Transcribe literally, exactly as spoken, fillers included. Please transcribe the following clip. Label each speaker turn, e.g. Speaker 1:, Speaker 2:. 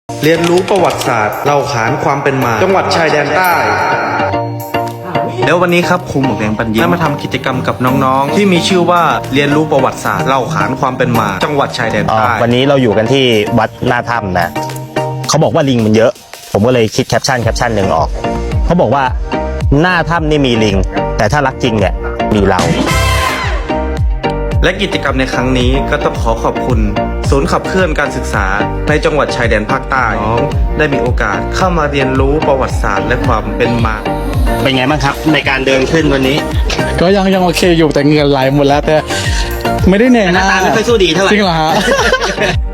Speaker 1: เรียนรู้ประวัติศาสตร์เล่าขานความเป็นมาจังหวัดชายแดนใต้แล้ววันนี้ครับครูหมวกแดงปัญญาได้มาทำกิจกรรมกับน้องๆที่มีชื่อว่าเรียนรู้ประวัติศาสตร์เล่าขานความเป็นมาจังหวัดชายแดนใต้
Speaker 2: วันนี้เราอยู่กันที่วัดหน้าถ้ำนะเขาบอกว่าลิงมันเยอะผมก็เลยคิดแคปชั่นแคปชั่นหนึ่งออกเขาบอกว่าหน้าถ้ำนี่มีลิงแต่ถ้ารักจริงเนี่ยมีเรา
Speaker 1: และกิจกรรมในครั้งนี้ก็ต้องขอขอบคุณศูนย์ขับเคลื่อนการศึกษาในจังหวัดชายแดนภาคใต้น้องได้มีโอกาสเข้ามาเรียนรู้ประวัติศาสตร์และความเป็นมา
Speaker 2: เป็นไงบ้างครับในการเดินขึ้นวันนี้
Speaker 3: ก็ยังยังโอเคอยู่แต่เงินไหลหมดแล้วแต่ไม่ได้เหนื่อย
Speaker 2: หน้าตาไม่ค่อยสู้ดีเท่าไหร่
Speaker 3: จริงเหรอฮะ